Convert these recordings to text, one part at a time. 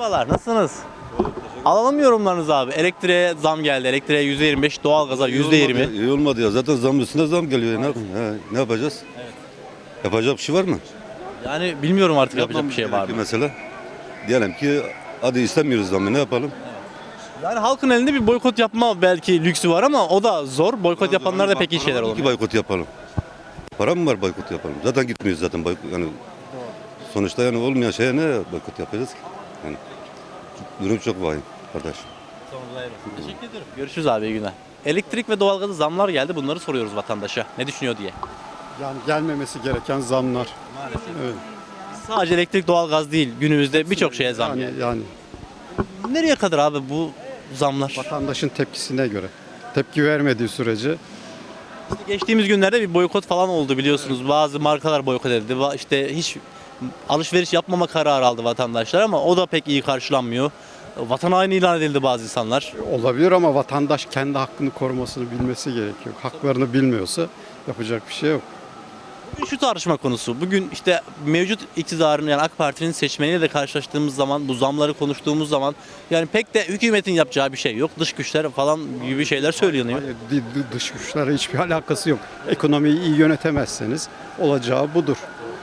Merhabalar, nasılsınız? Alalım yorumlarınızı abi. Elektriğe zam geldi. Elektriğe %25, doğalgaza %20. İyi olmadı ya. Zaten zam üstüne zam geliyor. Ne yapacağız? Evet. Yapacak bir şey var mı? Yani bilmiyorum artık yapacak bir Yapmamız şey var mı? gerekiyor mesela. Diyelim ki hadi istemiyoruz zammı, ne yapalım? Yani halkın elinde bir boykot yapma belki lüksü var ama o da zor. Boykot yapanlar da pek iyi şeyler Ki olmuyor. boykot yapalım. Para mı var boykot yapalım? Zaten gitmiyoruz zaten boykot. Yani sonuçta yani olmayan şeye ne boykot yapacağız ki? Yani durum çok vahim kardeş. Teşekkür ederim. Görüşürüz abi, iyi günler. Elektrik ve doğalgaza zamlar geldi. Bunları soruyoruz vatandaşa. Ne düşünüyor diye. Yani gelmemesi gereken zamlar. Evet. Sadece elektrik, doğalgaz değil. Günümüzde birçok şeye zam geldi. Yani Nereye kadar abi bu zamlar? vatandaşın tepkisine göre. Tepki vermediği sürece İşte geçtiğimiz günlerde bir boykot falan oldu biliyorsunuz. Bazı markalar boykot edildi. İşte hiç alışveriş yapmama kararı aldı vatandaşlar ama o da pek iyi karşılanmıyor. Vatan haini ilan edildi bazı insanlar. olabilir ama vatandaş kendi hakkını korumasını bilmesi gerekiyor. Haklarını bilmiyorsa yapacak bir şey yok. Bugün şu tartışma konusu. Bugün işte mevcut iktidarın yani AK Parti'nin seçmeniyle de karşılaştığımız zaman, bu zamları konuştuğumuz zaman yani pek de hükümetin yapacağı bir şey yok. Dış güçler falan gibi şeyler söyleniyor. Hayır, dış güçlerle hiçbir alakası yok. Ekonomiyi iyi yönetemezseniz olacağı budur.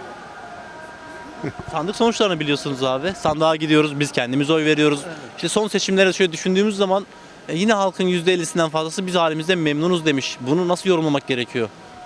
Sandık sonuçlarını biliyorsunuz abi. Sandığa gidiyoruz, biz kendimiz oy veriyoruz. İşte son seçimlere şöyle düşündüğümüz zaman yine halkın %50'sinden fazlası biz halimizden memnunuz demiş. Bunu nasıl yorumlamak gerekiyor?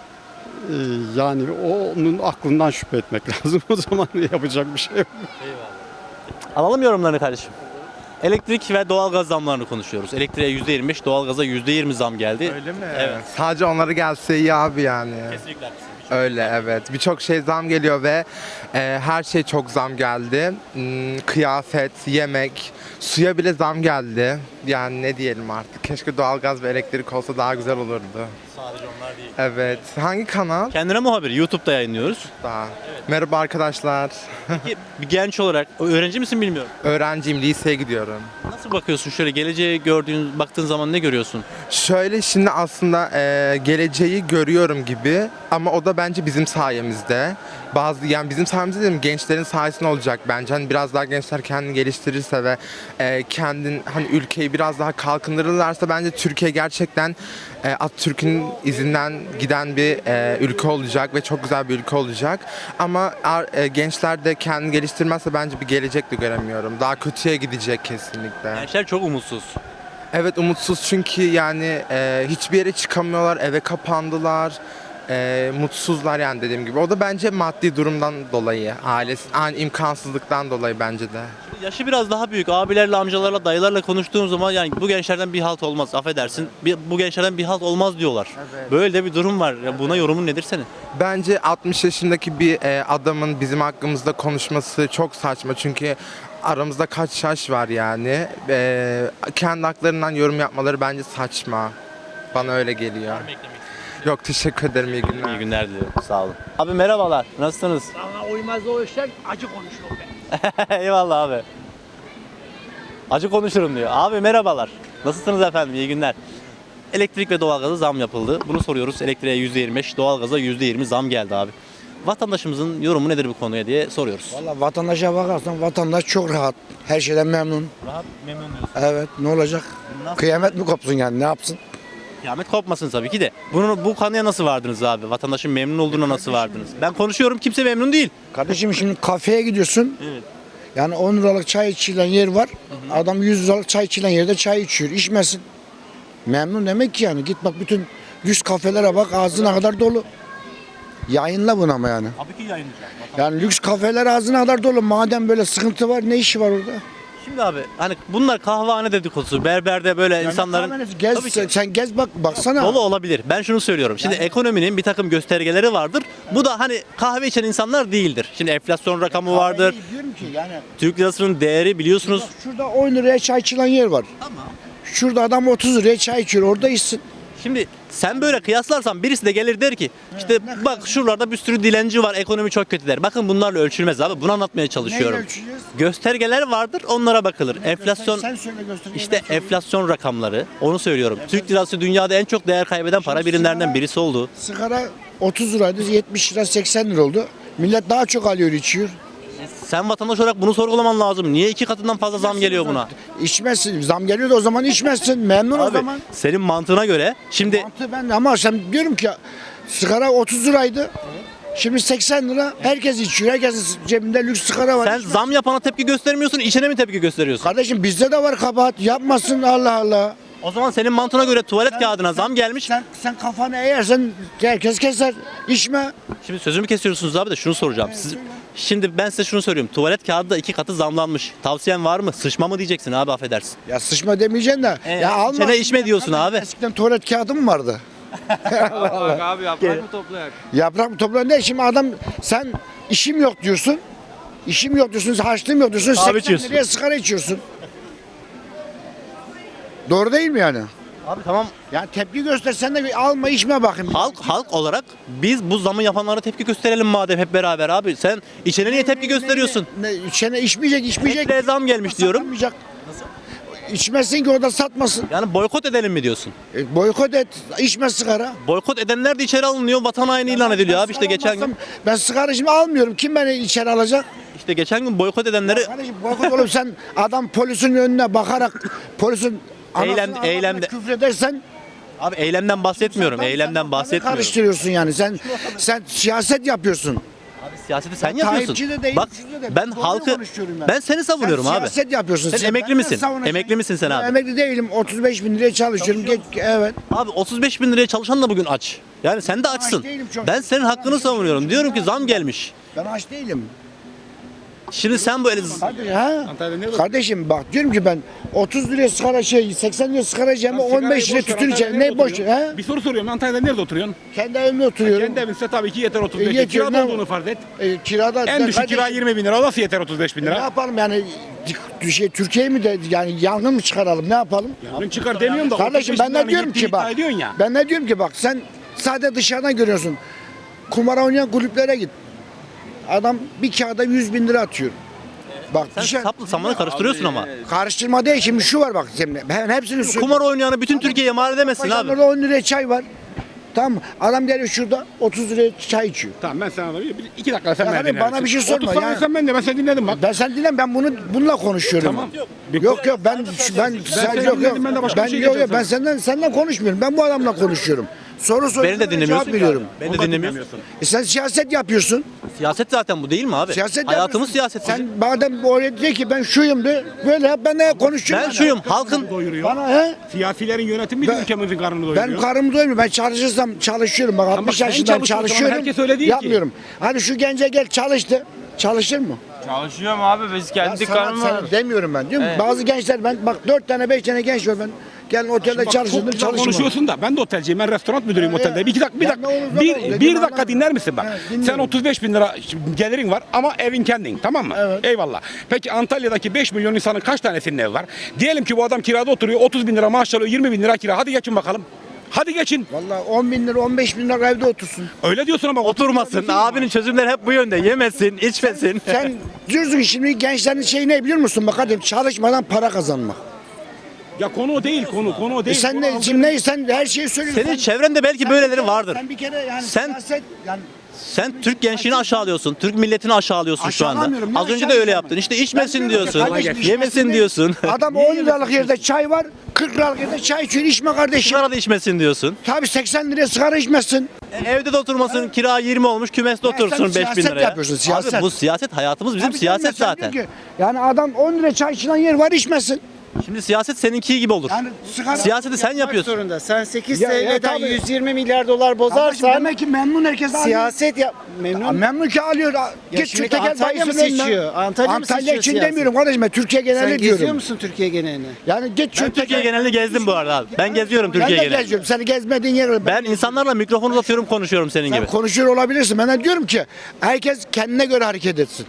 Yani onun aklından şüphe etmek lazım. O zaman yapacak bir şey yok. Alalım yorumlarını kardeşim. Elektrik ve doğalgaz zamlarını konuşuyoruz. Elektriğe %25, doğalgaza %20 zam geldi. Öyle mi? Evet. Sadece onları gelse iyi abi yani. Kesinlikle. Öyle evet. Birçok şey zam geliyor ve her şey çok zam geldi. Kıyafet, yemek, suya bile zam geldi. Yani ne diyelim artık. Keşke doğalgaz ve elektrik olsa daha güzel olurdu. Sadece onlar değil. Evet. Hangi kanal? Kendine muhabir YouTube'da yayınlıyoruz. Daha. Merhaba arkadaşlar. Peki bir genç olarak öğrenci misin bilmiyorum. Öğrenciyim, liseye gidiyorum. Nasıl bakıyorsun şöyle geleceğe baktığın zaman ne görüyorsun? Şöyle şimdi aslında geleceği görüyorum gibi ama o da bence bizim sayemizde. Yani bizim sayemizde dedim gençlerin sayesinde olacak bence. Hani biraz daha gençler kendini geliştirirse ve hani ülkeyi biraz daha kalkındırırlarsa bence Türkiye gerçekten Atatürk'ün izinden giden bir ülke olacak ve çok güzel bir ülke olacak. Ama gençler de kendini geliştirmezse bence bir gelecek de göremiyorum. Daha kötüye gidecek kesinlikle. Gençler çok umutsuz. Evet umutsuz çünkü yani hiçbir yere çıkamıyorlar, eve kapandılar, mutsuzlar yani dediğim gibi. O da bence maddi durumdan dolayı, imkansızlıktan dolayı bence de. Yaşı biraz daha büyük abilerle, amcalarla, dayılarla konuştuğum zaman yani bu gençlerden bir halt olmaz, affedersin. Bu gençlerden bir halt olmaz diyorlar. Evet. Böyle de bir durum var. Ya buna yorumun nedir senin? Bence 60 yaşındaki bir adamın bizim hakkımızda konuşması çok saçma çünkü aramızda kaç yaş var yani. Kendi haklarından yorum yapmaları bence saçma. Bana öyle geliyor. Yok teşekkür ederim iyi günler. İyi günler diliyorum. Sağ olun. Abi merhabalar. Nasılsınız? Bana uymaz o işler, acı konuşurum ben. Eyvallah abi. Acı konuşurum diyor. Abi merhabalar. Nasılsınız efendim? İyi günler. Elektrik ve doğalgaza zam yapıldı. Bunu soruyoruz. Elektriğe %25, doğalgaza %20 zam geldi abi. Vatandaşımızın yorumu nedir bu konuya diye soruyoruz. Valla vatandaşa bakarsan vatandaş çok rahat. Her şeyden memnun. Rahat, memnun diyorsun. Evet ne olacak? Nasıl? Kıyamet mi kopsun yani ne yapsın? Kıyamet kopmasın tabii ki de. Bu konuya nasıl vardınız abi? Vatandaşın memnun olduğuna nasıl vardınız? Ben konuşuyorum, kimse memnun değil. Kardeşim şimdi kafeye gidiyorsun. Evet. Yani 10 liralık çay içilen yer var. Adam 100 liralık çay içilen yerde çay içiyor. İçmesin. Memnun demek ki yani. Git bak bütün 100 kafelere bak ağzına kadar dolu. Yayınla bunu ama yani. Tabii ki yayınlayacağım. Yani lüks kafeler ağzına kadar dolu. Madem böyle sıkıntı var ne işi var orada? Şimdi abi hani bunlar kahvehane dedikodusu. Berberde böyle insanların... Gez, Tabii ki. sen gez bak baksana. Dolu olabilir. Ben şunu söylüyorum. Şimdi ekonominin bir takım göstergeleri vardır. Bu da hani kahve içen insanlar değildir. Şimdi enflasyon rakamı vardır. Diyorum ki yani. Türk lirasının değeri biliyorsunuz. Bak şurada 10 liraya çay içilen yer var. Tamam. Şurada adam 30 liraya çay içiyor. Orada içsin. Şimdi sen böyle kıyaslarsan birisi de gelir der ki işte bak şuralarda bir sürü dilenci var, ekonomi çok kötü der. Bakın bunlarla ölçülmez abi. Bunu anlatmaya çalışıyorum. Neyle ölçeceğiz? Göstergeler vardır, onlara bakılır. Enflasyon Sen söyle göstergeyi, işte ben söyleyeyim. enflasyon rakamları. Onu söylüyorum. Türk lirası dünyada en çok değer kaybeden para birimlerinden birisi oldu. Sigara 30 liraydı 70 lira 80 lira oldu. Millet daha çok alıyor içiyor. Sen vatandaş olarak bunu sorgulaman lazım. Niye 2 katından fazla zam geliyor buna? İçmezsin. Zam geliyor da o zaman içmezsin. Memnun o Abi zaman. senin mantığına göre şimdi Mantı ben ama sen diyorum ki sigara 30 liraydı. Şimdi 80 lira. Herkes içiyor. Herkesin cebinde lüks sigara var. sen zam yapana tepki göstermiyorsun, içene mi tepki gösteriyorsun? Kardeşim bizde de var kabahat. Yapmasın Allah Allah. O zaman senin mantığına göre tuvalet kağıdına zam gelmiş. Sen kafanı eğersen herkes keser. İçme. Şimdi sözümü kesiyorsunuz abi de şunu soracağım. Şimdi ben size şunu söylüyorum. Tuvalet kağıdı da 2 katı zamlanmış. Tavsiyen var mı? Sıçma mı diyeceksin abi, affedersin. Ya sıçma demeyeceksin de. Ya alma. içene içme diyorsun abi. Eskiden tuvalet kağıdı mı vardı? Abi yaprak mı toplayak? Yaprak mı toplan ne? Şimdi adam sen işim yok diyorsun. İşim yok diyorsun, harçlığım yok diyorsun. 80 içiyorsun. liraya sigara içiyorsun. Doğru değil mi yani? Abi tamam. Yani tepki göstersen de bir alma içme bakayım. Halk olarak biz bu zamı yapanlara tepki gösterelim madem hep beraber abi. Sen içene niye tepki gösteriyorsun? İçene içmeyecek. Etle zam gelmiş diyorum. Satmayacak. İçmesin ki orada satmasın. Yani boykot edelim mi diyorsun? Boykot et, içme sigara. Boykot edenler de içeri alınıyor, vatan haini ilan ediliyor abi işte geçen gün. Ben sigara şimdi almıyorum. Kim beni içeri alacak? İşte geçen gün boykot edenleri Kardeşim boykot olup sen adam polisin önüne bakarak polisin eylemde- küfredersen abi eylemden bahsetmiyorum. Eylemden bahsetmiyorum. karıştırıyorsun yani. Sen siyaset yapıyorsun. Abi siyaseti sen Ben yapıyorsun. Tayyipçi de değilim, Bak şurada da. ben Doğru halkı konuşuyorum ben seni savunuyorum sen abi. siyaset yapıyorsun. Sen emekli ben de misin? savunacağım. Emekli misin sen Ben abi? emekli değilim. 35 bin liraya çalışıyorum. Evet. Abi 35 bin liraya çalışan da bugün aç. Yani sen de açsın. değilim çok. Ben senin hakkını savunuyorum. Diyorum ki zam gelmiş. Ben aç değilim. Şimdi sen böyle Kardeşim bak diyorum ki ben 30 liraya sigara 80 liraya sigara yiyeceğim 15 liraya tütün içeceğim. Ne boş he? Bir soru soruyorum. Antalya'da nerede oturuyorsun? Kendi evimde oturuyorum. Kendi evinse tabii ki yeter 35 bin. Yetiyor, Kirada ne- olduğunu farz et. Kirada En düşük kira kardeşim, 20 bin lira. O nasıl yeter 35 bin ne lira? yapalım yani Türkiye'yi mi de yani yangın mı çıkaralım ne yapalım? Yarın çıkar demiyorum da. Kardeşim 35 ben bin ne liranın diyorum gittiğini ki bak. iddia ediyorsun ya. Ben ne diyorum ki bak sen sadece dışarıdan görüyorsun. Kumar oynayan kulüplere git. Adam bir kağıda 100 bin lira atıyor. Bak sen saplı samanı karıştırıyorsun ama. karıştırma değil şimdi şu var bak şimdi ben hepsini söylüyorum. Kumar oynayanı bütün Türkiye'ye mal edemezsin abi. Paşalarda 10 liraya çay var. Tamam mı? Adam geliyor şurada 30 liraya çay içiyor. Tamam ben sana 2 dakika sen Ya beni kardeşim, dinlersin. bana bir şey sorma 30 saniye ya. sen ben seni dinledim bak. Ben sen dinle ben bununla konuşuyorum. Tamam. Yok ben seni yok dinledim, ben de başka bir şey yok diyeceğim ben senden konuşmuyorum. Ben bu adamla konuşuyorum. Soru soruyorum. Beni de dinlemiyorsun. Cevap veriyorum. Beni de dinlemiyorsun. Sen siyaset yapıyorsun. Siyaset zaten bu değil mi abi? Siyaset Hayatımız yapıyorsun. siyaset. Sen madem oraya diyor ki ben şuyum de böyle yap ben de konuşuyorum. Ben şuyum halkın Doyuruyor. Bana he? Siyasilerin yönetimi Ben- ülkemizin karnını Ben doyuruyor. karnım doymuyor. Ben çalışırsam çalışıyorum. Bak 60 sen yaşındayım çalışıyorsun, çalışıyorum. herkes öyle değil ki. Yapmıyorum. Hani şu gence gel çalıştı. Çalışır mı? Çalışıyorum abi biz kendi karnımı Sana demiyorum ben. Diyorum bazı gençler ben bak 4 tane 5 tane genç var ben. Gelin otelde Bak, çalışırdım çok güzel çalışmam. konuşuyorsun da ben de otelciyim, ben restoran müdürüyüm otelde. Bir dakika, Ya ne olur, ne olur, bir dediğimi dakika anladım. dinler misin bak? Evet, Sen dinliyorum. 35 bin lira gelirin var ama evin kendin, tamam mı? Evet. Eyvallah. Peki Antalya'daki 5 milyon insanın kaç tanesinin evi var? Diyelim ki bu adam kirada oturuyor, 30 bin lira maaş alıyor, 20 bin lira kira. Hadi geçin bakalım. Hadi geçin. Vallahi 10 bin lira 15 bin lira evde otursun. Öyle diyorsun ama oturmasın. Abinin çözümleri hep bu yönde. Yemesin, içmesin. Sen diyorsun ki şimdi gençlerin şeyi ne biliyor musun? Bak hadi çalışmadan para kazanmak. ya konu o değil, konu o değil. Sen Konu ne algı- şimdi ne sen her şeyi söylüyorsun. Senin Sen- çevrende belki böyleleri vardır. Sen bir kere yani Sen- siyaset yani Sen Türk gençliğini aşağılıyorsun. Türk milletini aşağılıyorsun şu anda. Aşağılamıyorum, ne Az önce de öyle aşağılayacağım yaptın. ben? İşte içmesin Ben diyorum ki diyorsun. kardeşim, Yemesin içmesin diyorsun. adam 10 liralık yerde çay var, 40 liralık yerde çay içiyor, içme kardeşim. Sigara da içmesin diyorsun. Tabii 80 liraya sigara içmezsin. Evde de oturmasın. Kira 20 olmuş. Kümeste otursun sen 5 bin siyaset liraya. yapıyorsun, siyaset. Abi bu siyaset hayatımız bizim Tabii siyaset sen zaten. diyorsun ki, yani adam 10 liraya çay içilen yer var içmesin. Şimdi siyaset seninki gibi olur. Yani sigara... Siyaseti sen yapıyorsun. Zorunda. Sen 8 Ya, TL'den tabii. 120 milyar dolar Kardeşim bozarsan demek ki memnun herkes alıyor. siyaset yap. Memnun. Memnun ki alıyor. Git şimdi tekel Antalya mı bayisinin önüne. seçiyor? Antalya mı Antalya seçiyor için siyaset? demiyorum kardeşim ben Türkiye Sen genelini geziyor diyorum. musun Türkiye genelini? Yani git şu Türkiye genelini gezdim bu arada abi. Ben geziyorum Ben Türkiye de genelini. geziyorum. Seni gezmediğin yer. Ben insanlarla mikrofon uzatıyorum konuşuyorum senin Sen gibi. konuşuyor olabilirsin. Ben de diyorum ki herkes kendine göre hareket etsin.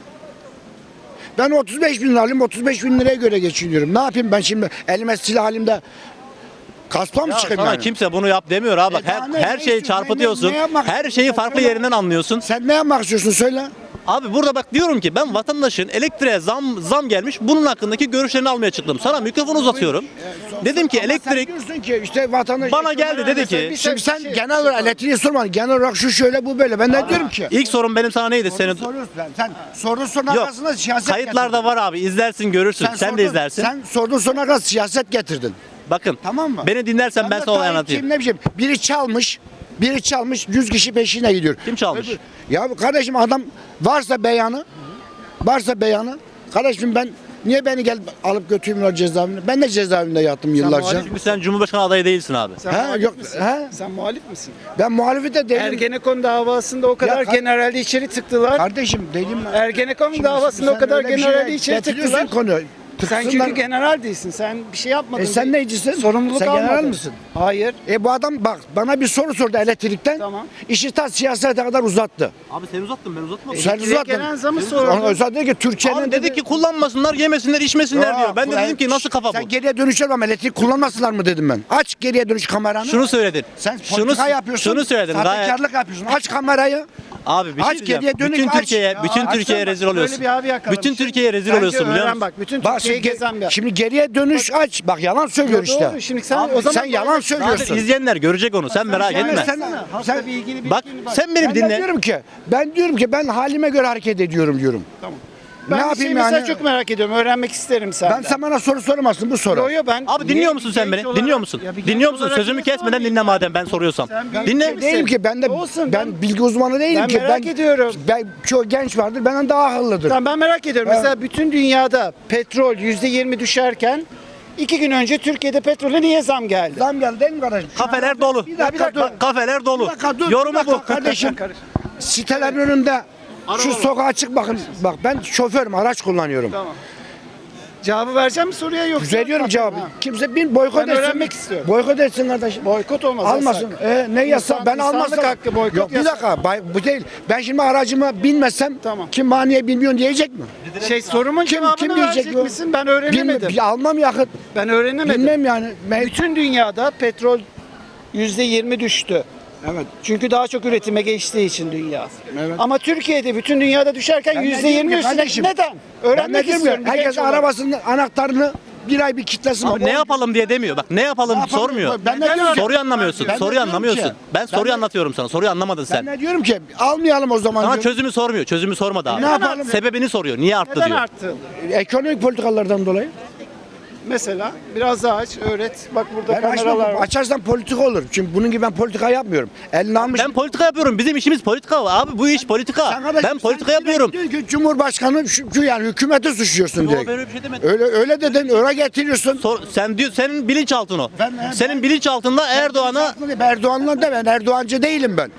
Ben 35 bin lira alayım, 35 bin liraya göre geçiniyorum. Ne yapayım ben şimdi elime silah halimde kaspa mı Ya çıkayım sana yani? kimse bunu yap demiyor abi. Bak daha ne her şeyi istiyorsun? çarpıtıyorsun. Ne yapmak Her şeyi istiyorsun? farklı Söyle. yerinden anlıyorsun. Sen ne yapmak istiyorsun söyle. Abi burada bak diyorum ki ben vatandaşın elektriğe zam gelmiş. Bunun hakkındaki görüşlerini almaya çıktım. Sana mikrofon uzatıyorum. Dedim ki Ama sen elektrik diyorsun ki işte vatandaş bana geldi dedi ki Şimdi sen genel olarak elektriği sormadın. Genel olarak şu şöyle bu böyle. Ben de diyorum ki. ilk sorun benim sana neydi? Senin Soruyorsun. Sen sorduğun soruna yok. arkasında siyaset Kayıtlarda getirdin. var abi. İzlersin, görürsün. Sen de sordun- izlersin. Sen sorduğun soruna kadar siyaset getirdin. Bakın. Tamam mı? Beni dinlersen ben de sana olayı Tayyipçiyim, anlatayım. ne bileyim. Biri çalmış 100 kişi peşine gidiyor. Kim çalmış? Ya kardeşim adam varsa beyanı kardeşim ben niye beni gel alıp götürmüyorlar cezaevine? Ben de cezaevinde yattım yıllarca. Çünkü sen Cumhurbaşkanı adayı değilsin abi. Sen Ha, muhalif yok, misin? ha? Sen muhalif misin? Ben muhalefet de değilim. Ergenekon davasında o kadar Ya generali içeri tıktılar. Kardeşim dedim. Ergenekon davasında o kadar generali içeri tıktılar. Konuyu. Sen çünkü general değilsin. Sen bir şey yapmadın. sen neycisin? Sorumluluk Sen almadın. general misin? Hayır. Bu adam bak bana bir soru sordu elektrikten. Tamam. İşi ta siyasete kadar uzattı. Abi sen uzattın ben uzatmadım. Sen Elektriğe uzattın. gelen zamı Ona sordum. özel dedi ki Türkiye'nin Abi dedi ki kullanmasınlar, yemesinler, içmesinler diyor. Ben de dedim ki nasıl kafa bu? Sen geriye dönüş yapma elektrik kullanmasınlar mı dedim ben. Aç geriye dönüş kameranı. Şunu söyledin. Sen politika yapıyorsun. Şunu söyledin. Gayet. Sahtekarlık yapıyorsun. Aç kamerayı. Abi bir şey Aç, diyeceğim. geriye dönük Bütün aç. Türkiye'ye, Ya, bütün açsana Türkiye'ye bak, rezil Böyle oluyorsun. bir abi yakalamış. Bütün Türkiye'ye rezil Bence oluyorsun biliyor öğren musun? bak. Bütün Bak Türkiye'yi gezen bir. şimdi geriye dönüş aç. Bak yalan söylüyor işte. Doğru. Şimdi sen o zaman Sen yalan söylüyorsun. Zaten izleyenler görecek onu. Sen merak Yani etme. sen bilgili Bak sen benim ben de dinle. diyorum ki ben halime göre hareket ediyorum diyorum. Ben ne bir yapayım şey mesela yani? çok merak ediyorum. Öğrenmek isterim senden. Sen bana soru soramazsın bu soru. Yo, yo, ben Abi dinliyor musun sen beni? Dinliyor musun? Dinliyor musun? Sözümü kesmeden dinle madem ben soruyorsam. Dinle. Değilim ki ben Olsun, ben bilgi uzmanı değilim ben ki. merak ediyorum. Ben çoğu genç vardır benden daha akıllıdır. Tamam, ben merak ediyorum. Mesela bütün dünyada petrol %20 düşerken 2 gün önce Türkiye'de petrole niye zam geldi? Zam geldi değil mi kardeşim? Kafeler dolu. Bir dakika dur. Kafeler dolu. Bir dakika dur. Yorumu bir dakika bu. kardeşim. Sitelerin önünde şu sokağa çık bakın. Bak ben şoförüm araç kullanıyorum. Tamam. Cevabı vereceğim mi soruya yoksa? Veriyorum cevabı. Ha. Kimse bin boykot Ben etsin. öğrenmek istiyorum. Boykot etsin kardeşim. Boykot olmaz. Almasın. yasak. Ne yasak? Ben İnsanlık almazsam. hakkı boykot Yok bir yasak. dakika. Bu değil. Ben şimdi aracıma binmezsem Tamam. kim bana niye bilmiyorsun diyecek mi? Sorumun cevabını kim diyecek verecek bu? misin? Ben öğrenemedim. Almam yakıt. Ben öğrenemedim. Bilmem yani. Bütün dünyada petrol %20 düştü. Evet. Çünkü daha çok üretime geçtiği için dünya. Evet. Ama Türkiye'de bütün dünyada düşerken Ben de diyorum %20 ki üstüne. kardeşim, Neden? Ben Öğrenmek ne istiyorum. bir Herkes genç olarak. arabasının anahtarını bir ay bir kitlesin. Abi ne yapalım diye demiyor. Bak ne yapalım Ne yapalım? sormuyor. Ben de diyorum ki- Soruyu anlamıyorsun. Ben de Soruyu diyorum anlamıyorsun. ki- Ben soruyu de- anlatıyorum sana. Soruyu anlamadın Ben sen. ne diyorum ki almayalım o zaman Sana diyorum. çözümü sormuyor. Çözümü sormadı abi. Ne yapalım? Sebebini soruyor. Niye arttı Neden diyor. arttı? Ekonomik politikalardan dolayı. Mesela biraz daha aç, öğret. Bak burada Ben kameralar açmam. var. Açarsan politika olur. Çünkü bunun gibi ben politika yapmıyorum. Elini almış. Ben politika yapıyorum. Bizim işimiz politika. Abi bu iş politika. Sen kardeşim, Ben politika sen yapıyorum. diyorsun ki Cumhurbaşkanı şu yani hükümeti suçluyorsun Yo, direkt. ben öyle bir şey demedim. Öyle dedin, öyle getiriyorsun. Sen diyor senin bilinçaltın o. Ben- Senin bilinçaltında Erdoğan'a Erdoğan'la da ben Erdoğancı değilim ben.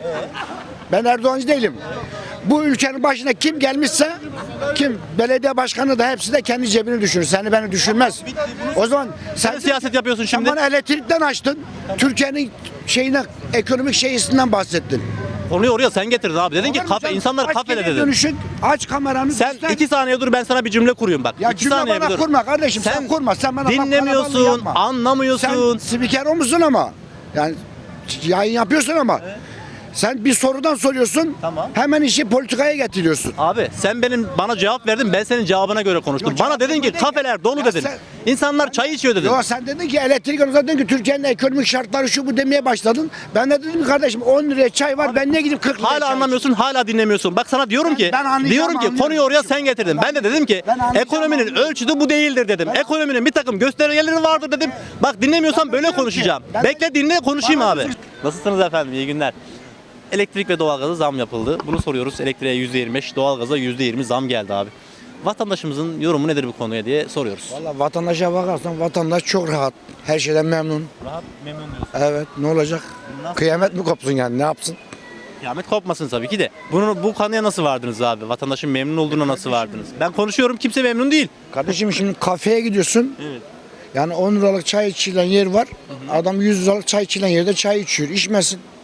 Ben Erdoğancı değilim. Bu ülkenin başına kim gelmişse kim belediye başkanı da hepsi de kendi cebini düşünür. Seni beni düşünmez. O zaman sen siyaset yapıyorsun sen şimdi. bana elektrikten açtın. Türkiye'nin şeyine ekonomik şeysinden bahsettin. Konuyu oraya sen getirdin abi. Dedin ki kafe, insanlar Aç kafede geriye dedin. dönüşün, aç kameranı. Sen göster. 2 saniye dur ben sana bir cümle kurayım bak. Ya 2 cümle saniye bana bir dur. kurma kardeşim. Sen kurma. Sen bana laf kalabalığı Dinlemiyorsun, yapma. anlamıyorsun. Sen spiker o musun ama? Yani yayın yapıyorsun ama. Sen bir sorudan soruyorsun. Tamam. Hemen işi politikaya getiriyorsun. Abi sen bana cevap verdin ben senin cevabına göre konuştum. Yok, bana cevap dedin ki verme değil kafeler dolu ya dedin. sen- İnsanlar çay içiyor dedin. Yo sen dedin ki elektrik konusunda dedin ki Türkiye'nin ekonomik şartları şu bu demeye başladın. Ben de dedim ki kardeşim 10 liraya çay var ben niye gidip 40 liraya Hala çay anlamıyorsun, hala dinlemiyorsun. Bak sana diyorum ki, ben anlayacağım, diyorum ki anlıyorum. konuyu oraya sen getirdin. Ben de dedim ki Ben anlayacağım, ekonominin anlıyorum. ölçütü bu değildir dedim. Ekonominin bir takım göstergeleri vardır dedim. Bak dinlemiyorsan böyle diyorum ki, konuşacağım. ben de- Bekle dinle konuşayım Bana abi. sus. Nasılsınız efendim? İyi günler. Elektrik ve doğalgaza zam yapıldı. Bunu soruyoruz. Elektriğe %25, doğalgaza %20 zam geldi abi. Vatandaşımızın yorumu nedir bu konuya diye soruyoruz. Valla vatandaşa bakarsan vatandaş çok rahat. Her şeyden memnun. Rahat, memnun diyorsun. Evet ne olacak? Kıyamet mi kopsun yani ne yapsın? Kıyamet kopmasın tabii ki de. Bu konuya nasıl vardınız abi? Vatandaşın memnun olduğuna nasıl vardınız? Ben konuşuyorum kimse memnun değil. Kardeşim şimdi kafeye gidiyorsun. Evet. Yani 10 liralık çay içilen yer var. Adam 100 liralık çay içilen yerde çay içiyor. İçmesin.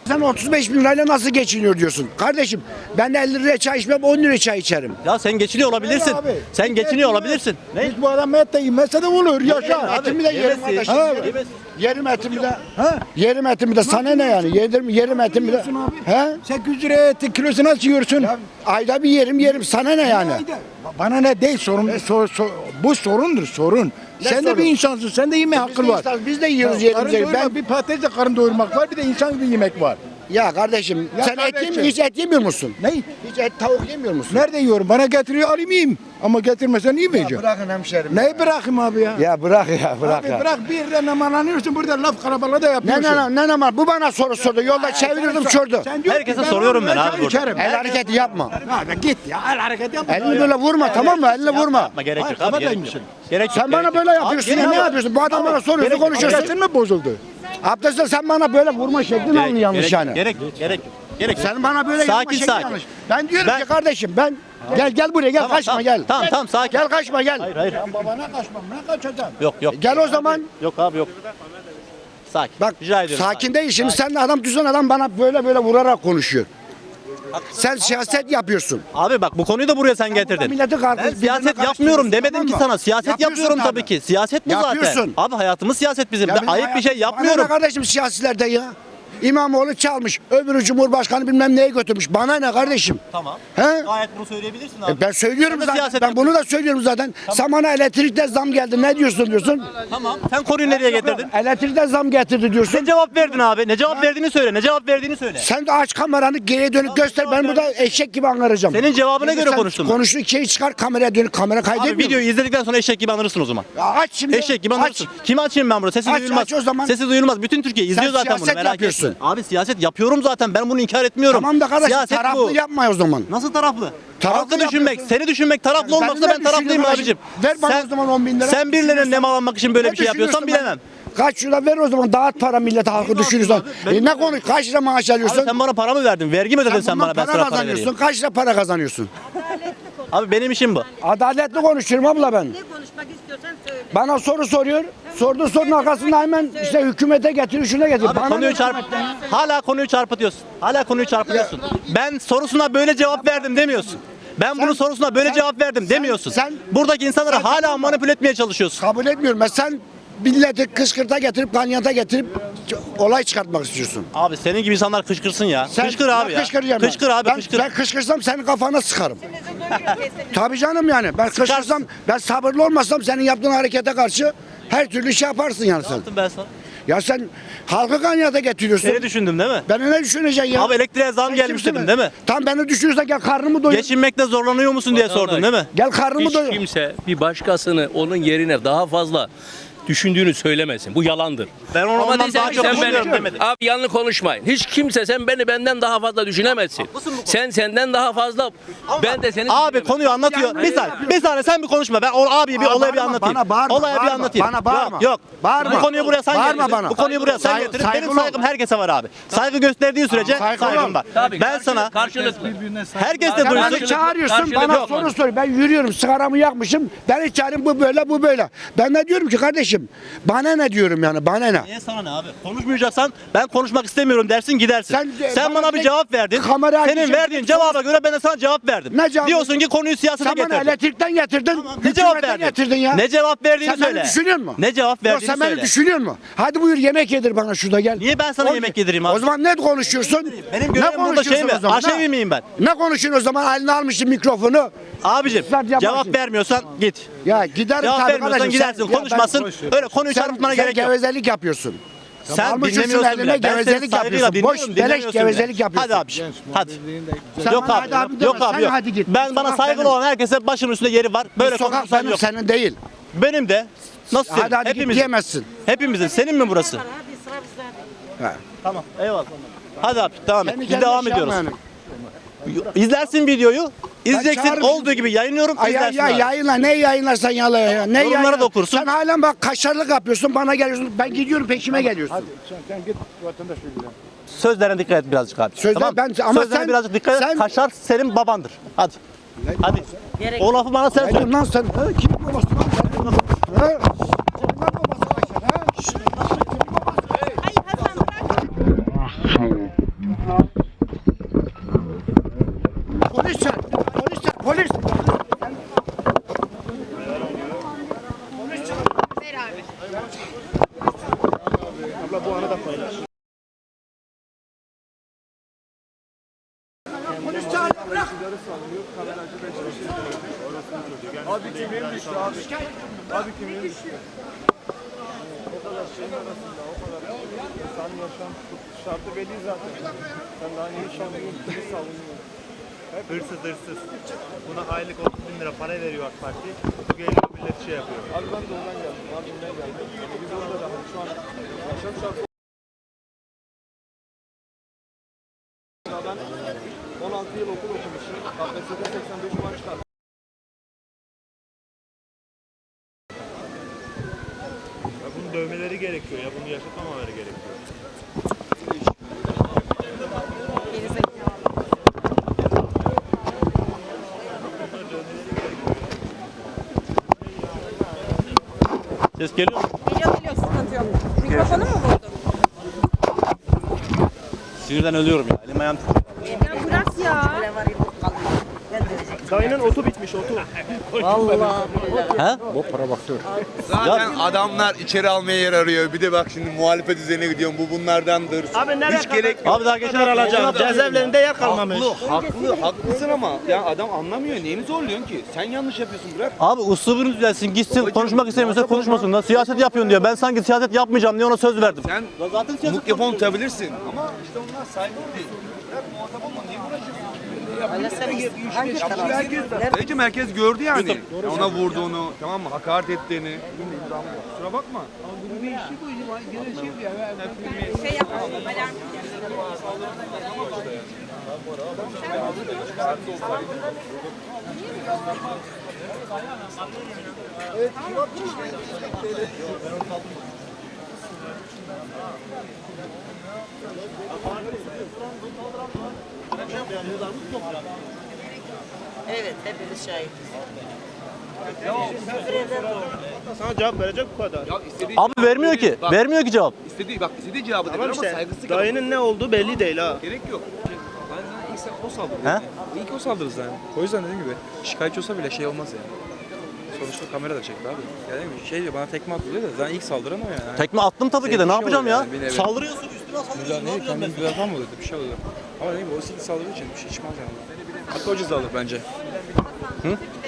Sen 35 bin lirayla nasıl geçiniyor diyorsun. Kardeşim ben 50 liraya çay içmem 10 liraya çay içerim. Ya sen geçiniyor olabilirsin. abi. Sen geçiniyor olabilirsin. Ne? Hiç bu adam et de yemezse de olur. Yaşa. Abi, Etimi de yerim yemesin. kardeşim. Ha. Yemesin. Yerim etimi de. Yerim etimi de sana ne yani? Yerim etimi de. He? 800 liraya etin kilosu nasıl yiyorsun? Ayda bir yerim sana ne yani? Bana ne değil sorun. Bu sorundur sorun. Sen de sorun? bir insansın. Sen de yeme hakkın var. Biz de yiyoruz Karın yerimize. doyurmak, bir patatesle karın doyurmak var, bir de insan gibi yemek var. Ya kardeşim Ya sen kardeşim. hiç et yemiyor musun? Ne? Hiç et tavuk yemiyor musun? Nerede yiyorum? Bana getiriyor alayım yiyeyim. Ama getirmesen yemeyeceğim. Bırakın hemşerim. Neyi bırakayım abi ya? Ya bırak ya bırak Abi ya. bırak bir yerden namalanıyorsun, burada laf karabalığı da Ne yapıyorsun. ne bu bana soru sordu. Yolda çevirdim çördü. Sen diyor ki, Herkese ben soruyorum ben çay abi burada. içerim. El hareketi yapma. Hadi git ya, el hareket yapma. Elini böyle vurma tamam mı? Elini vurma. Yapma gerek yok abi. Gerek Kafadaymışsın. yok. Gerek yok. Sen bana gerek böyle yok. yapıyorsun Abi, ya ne gerek yok. yapıyorsun? Bu adam bana soruyorsun gerek yok. konuşuyorsun. Abdestin mi bozuldu? Abdestle sen bana böyle vurma şeklin Gerek- alın yanlış gerek- yani. Gerek gerek gerek. Sen bana böyle Sakin, yapma şeklin sakin. yanlış. Ben diyorum Ben- ki kardeşim ben gel buraya gel Tamam, kaçma tamam. gel. Tamam sakin. Gel kaçma gel. Hayır hayır. Ben babana kaçmam, ne kaçacağım? Yok yok. Gel o zaman. Yok abi yok. Sakin. Bak Rica ediyorum. sakin değil şimdi sen de adam düzen adam bana böyle vurarak konuşuyor. Sen siyaset yapıyorsun. Abi bak bu konuyu da buraya sen getirdin. Milleti kardeş, Ben birbirine siyaset yapmıyorum karıştırıyorsun, demedim tamam ki mı? sana. Siyaset Yapıyorsun yapıyorum tabii. tabii ki. Siyaset bu zaten. Yapıyorsun. Abi hayatımız siyaset bizim. Ya Ben bizim ayıp bir şey hayatımız- Bana yapmıyorum. ne kardeşim siyasilerde ya? İmamoğlu çalmış. Öbürü Cumhurbaşkanı bilmem neye götürmüş. Bana ne kardeşim? Tamam. He? Gayet bunu söyleyebilirsin abi. Ben söylüyorum Sen de zaten. siyaset Ben bunu da söylüyorum zaten. Sen bana elektrikte zam geldi. Ne diyorsun? Tamam. Sen konuyu nereye getirdin? Elektrikte zam getirdi diyorsun. Ne cevap verdin abi? Ne cevap verdiğini söyle. Ne cevap verdiğini söyle. Sen de aç kameranı geriye dönük göster. Ben burada eşek gibi anlaracağım. Senin cevabına göre Sen konuştum ben. Konuştuğun şeyi çıkar kameraya dönük. Kamera Abi kaydetmiyor. videoyu izledikten sonra eşek gibi anırırsın o zaman. Ya aç şimdi. Eşek gibi aç. anırırsın. Kimi açayım ben burada? Sesi Aç, duyulmaz. aç o zaman. Sesi duyulmaz. Bütün Türkiye izliyor zaten bunu. siyaset Merak yapıyorsun. etme. Abi siyaset yapıyorum zaten. Ben bunu inkar etmiyorum. Tamam da kardeşim Siyaset taraflı bu. yapma o zaman. Nasıl taraflı? Taraflı Taraflı düşünmek, yapıyorsun. seni düşünmek taraflı Yani olmaksa ben ben ne taraflıyım düşünüyorum abicim. Ver bana o zaman 10 bin lira. Sen birilerine nemalanmak için böyle Ne bir şey yapıyorsan düşünüyorsun bilemem. ben? Kaç lira ver o zaman dağıt para millete halkı düşürürsen. Ne konuş kaç lira maaş alıyorsun? Abi sen bana para mı verdin? Vergi mi ödedin sen bundan bana? Ben para sana para kazanıyorsun. vereyim. Kaç lira para kazanıyorsun? Abi benim işim bu. Adaletli konuşuyorum abla ben. Ne konuşmak istiyorsan söyle. Bana soru soruyor. Sorduğu sorunun arkasında hemen işte hükümete getir, şuna getir. Abi Bana konuyu ne çarp. hükümetten? Hala konuyu çarpıtıyorsun. Hala konuyu çarpıtıyorsun. Ben sorusuna böyle cevap verdim demiyorsun. Ben bunun sorusuna böyle cevap verdim demiyorsun. Buradaki insanları hala manipüle etmeye çalışıyorsun. Kabul etmiyorum. Ben sen milleti kışkırta getirip kanyata getirip olay çıkartmak istiyorsun. Abi senin gibi insanlar kışkırsın ya. Kışkır abi ya. Kışkıracağım ben. Kışkır abi Ben, kışkır. Ben kışkırsam senin kafana sıkarım. Tabii canım yani. Ben kışkırsam, ben sabırlı olmasam senin yaptığın harekete karşı her türlü şey yaparsın yani sen. Yaptım ben sana. Ya sen halkı kanyata getiriyorsun. Seni düşündüm değil mi? Beni ne düşüneceksin ya? Abi elektriğe zam Sen gelmiş kimsin dedim be? değil mi? Tam beni düşünürsen gel karnımı doyur. Geçinmekte zorlanıyor musun diye sordun değil mi? Gel karnımı Hiç doyur. kimse bir başkasını onun yerine daha fazla düşündüğünü söylemesin. Bu yalandır. Ben Ama ondan diyeceksin daha ki çok sen düşünüyorum beni, demedim. abi yanlış konuşmayın. Hiç kimse sen beni benden daha fazla düşünemezsin. Sen senden daha fazla ben de seni Abi düşünemem. konuyu anlatıyor. Bir saniye sen bir konuşma. Ben o abiye bir Bana olaya bir bağırma, anlatayım. bana bağırma, Olaya bir bağırma, anlatayım. bana bağırma. Yok. Bağırma. Bu konuyu buraya sen Bağırma getirdin. bana. Bu konuyu buraya sen Saygı- getirdin. Benim saygılı ol. saygım herkese var abi. Saygı gösterdiğin sürece saygılı saygım ol. var. Tabii, Ben sana karşılıklı. herkes de Sen duysun. beni çağırıyorsun karşılıklı bana yok. soru soruyor. Ben yürüyorum sigaramı yakmışım. Beni çağırın bu böyle bu böyle. Ben de diyorum ki kardeşim bana ne diyorum yani bana ne? Niye sana ne abi? Konuşmayacaksan ben konuşmak istemiyorum dersin gidersin. Sen Bana bana bir bir cevap verdin. kamera Senin açacak- verdiğin cevaba göre ben de sana cevap verdim. Ne cevap Diyorsun verdin? ki konuyu siyasete Sen bana getirdin. elektrikten getirdin. Ne cevap hükümetten verdin? getirdin ya. Ne cevap verdiğini Sen söyle. beni düşünüyor musun? Ne cevap Yok, verdiğini sen beni söyle. düşünüyor musun? Hadi buyur yemek yedir bana şurada gel. Niye ben sana yemek yedireyim abi? O zaman ne konuşuyorsun? Benim Ne görevim burada şey konuşuyorsun mi? o zaman, Aşevi ha? miyim ben? Ne konuşuyorsun o zaman? Eline almışsın mikrofonu. Abicim Islat yapma cevap şimdi. vermiyorsan git. Ya giderim Cevap tabii vermiyorsan kardeşim. gidersin. Ya ben- Konuşmasın. Öyle konuyu çarpıtmana gerek yok. gevezelik yapıyorsun. Sen Almışsın dinlemiyorsun eline bile. Ben seni gevezelik saygıyla yapıyorsun. Boş, dinliyorum, beleş dinlemiyorsun bile. gevezelik yapıyorsun. Hadi abiciğim. Hadi. Sen Yok bana abi. hadi abi Yok deme, abi sen yok. hadi git. Ben Bu bana sokak saygılı benim. olan herkese başımın üstünde yeri var. Böyle Bu sokak konuşursan benim yok. senin değil. Benim de. Nasıl senin? Hadi git Hepimizin. diyemezsin. Hepimizin. Senin mi burası? Hadi sıra bizde. Tamam. Eyvallah. Hadi abi devam et. Kendi Biz kendine devam şey ediyoruz. yapma yani. İzlersin videoyu. İzleyeceksin çağırırım. olduğu gibi yayınlıyorum. Ay, İzlersin ya abi. yayınla ne yayınlarsan yayınla ya. Ne Yorumlara yayınla? da okursun. Sen halen bak kaşarlık yapıyorsun bana geliyorsun. Ben gidiyorum peşime geliyorsun. Sen git vatandaş ilgilen. Sözlerine dikkat et birazcık abi. Sözler- ben- ama Sözlerine sen- birazcık dikkat et. sen- Kaşar senin babandır. Hadi. Hadi. O lafı bana sen Ne söyle. diyorsun lan sen? Ha, kimin babası lan sen? Ha? Kimin lan babası kaşar ha? Hayır Hasan bırak. Hırsız hırsız. Buna aylık 30.000 lira para veriyor AK Parti. Bu geliyor millet şey yapıyor. Abi ben de oradan geldim. Mardin'den geldim. Biz orada da şu an yaşam şartı. Ben 16 yıl okul okumuşum. KPSS'de 85 puan çıkardım. Ya bunun dövmeleri gerekiyor ya. Bunu yaşatmamaları gerekiyor. Ses geliyor mu? Geliyor sıkıntı yok. Mikrofonu mu vurdun? Sinirden ölüyorum ya. Elim ayağım titriyor. Ya bırak ya. Dayının otu bitmiş otu. He? Zaten adamlar içeri almaya yer arıyor. Bir de bak şimdi muhalefet üzerine gidiyorum. Bu bunlardandır. Abi nereye Hiç gerek yok. Abi daha geçen alacağım. Cezaevlerinde yer kalmamış. Haklısın ama ya adam anlamıyor. Neyini zorluyorsun ki? Sen yanlış yapıyorsun, bırak. Abi uslubunu düzelsin, gitsin, konuşmak istemiyorsa konuşmasın da. Siyaset yapıyorsun diyor. Ben sanki siyaset yapmayacağım diye ona söz verdim. Sen Zaten siyaset mikrofon tutabilirsin ama işte onlar saygı değil. Bırak, muhatap olma. Niye uğraşıyorsun? Bence merkez gördü yani. Ya ona vurduğunu, tamam mı? Hakaret ettiğini. Kusura bakma. Şey yapalım. Alarm. Evet, hepimiz şahit. Sana cevap verecek bu kadar. Ya istediği Abi vermiyor ki. Bak, Vermiyor ki cevap. istediği cevabı Tamam verir ama işte saygısı dayının ne olduğu belli değil ha. gerek yok. Ben sana ilk o saldırdı. He? İlk o saldırdı zaten. O yüzden dediğim gibi şikayetçi olsa bile şey olmaz yani. Sonuçta kamera da çekti abi. Yani şey diyor, bana tekme atıyor da zaten ilk saldıran o yani. Tekme attım tabii ki de. Ne Bir şey yapacağım oluyor ya? yani, bir nevi. Saldırıyorsun üstüne saldırıyorsun. Ne Kendini yapacağım güzel falan mı oluyordu? Bir şey oluyor. Ama ne bileyim o ilk saldırdığı için bir şey çıkmaz yani. Hatta o ceza alır bence. Hı?